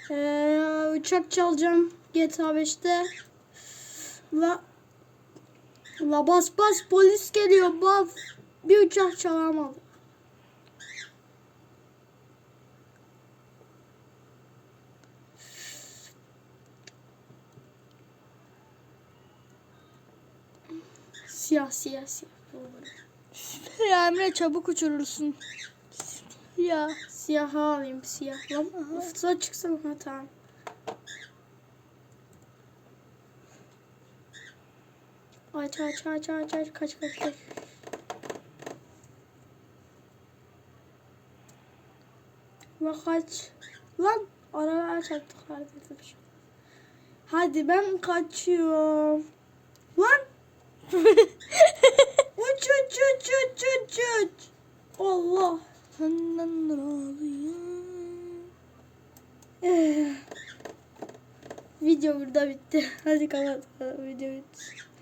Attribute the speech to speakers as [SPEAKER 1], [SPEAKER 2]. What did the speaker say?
[SPEAKER 1] Uçak çalacağım GTA 5'te. La bas bas, polis geliyor bas. Bir uçak çalamadım. Siyah.
[SPEAKER 2] Ya Emre çabuk uçurursun.
[SPEAKER 1] Siyah alayım, siyah. Lan ufsa çıksın, ha tamam. Aç kaç. Lan kaç. Lan arabaya çarptık kardeşim. Hadi ben kaçıyorum. Lan. uç. Allah.
[SPEAKER 2] Senden razıyım.
[SPEAKER 1] Video burada bitti. Hadi kapat. Video bitti.